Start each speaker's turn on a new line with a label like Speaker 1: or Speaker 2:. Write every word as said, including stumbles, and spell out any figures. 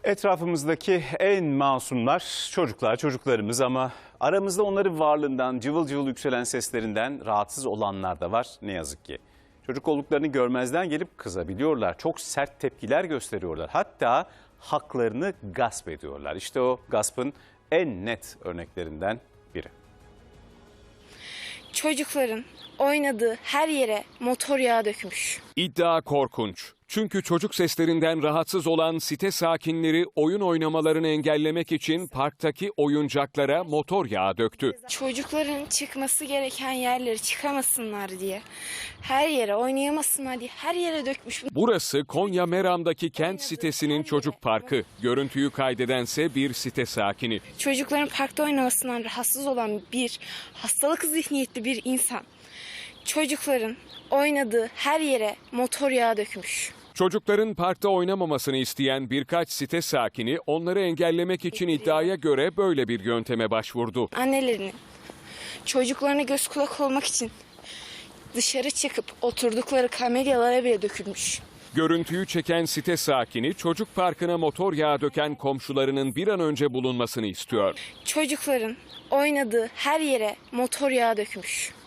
Speaker 1: Etrafımızdaki en masumlar çocuklar, çocuklarımız ama aramızda onların varlığından, cıvıl cıvıl yükselen seslerinden rahatsız olanlar da var ne yazık ki. Çocuk olduklarını görmezden gelip kızabiliyorlar, çok sert tepkiler gösteriyorlar. Hatta haklarını gasp ediyorlar. İşte o gaspın en net örneklerinden biri.
Speaker 2: Çocukların oynadığı her yere motor yağı dökmüş.
Speaker 3: İddia korkunç. Çünkü çocuk seslerinden rahatsız olan site sakinleri oyun oynamalarını engellemek için parktaki oyuncaklara motor yağı döktü.
Speaker 2: Çocukların çıkması gereken yerlere çıkamasınlar diye, her yere oynayamasınlar diye her yere dökmüş.
Speaker 3: Burası Konya Meram'daki kent sitesinin çocuk parkı. Görüntüyü kaydedense bir site sakini.
Speaker 2: Çocukların parkta oynamasından rahatsız olan bir hastalık zihniyetli bir insan çocukların oynadığı her yere motor yağı dökmüş.
Speaker 3: Çocukların parkta oynamamasını isteyen birkaç site sakini onları engellemek için iddiaya göre böyle bir yönteme başvurdu.
Speaker 2: Annelerinin çocuklarına göz kulak olmak için dışarı çıkıp oturdukları kamelyalara bile dökülmüş.
Speaker 3: Görüntüyü çeken site sakini çocuk parkına motor yağı döken komşularının bir an önce bulunmasını istiyor.
Speaker 2: Çocukların oynadığı her yere motor yağı dökmüş.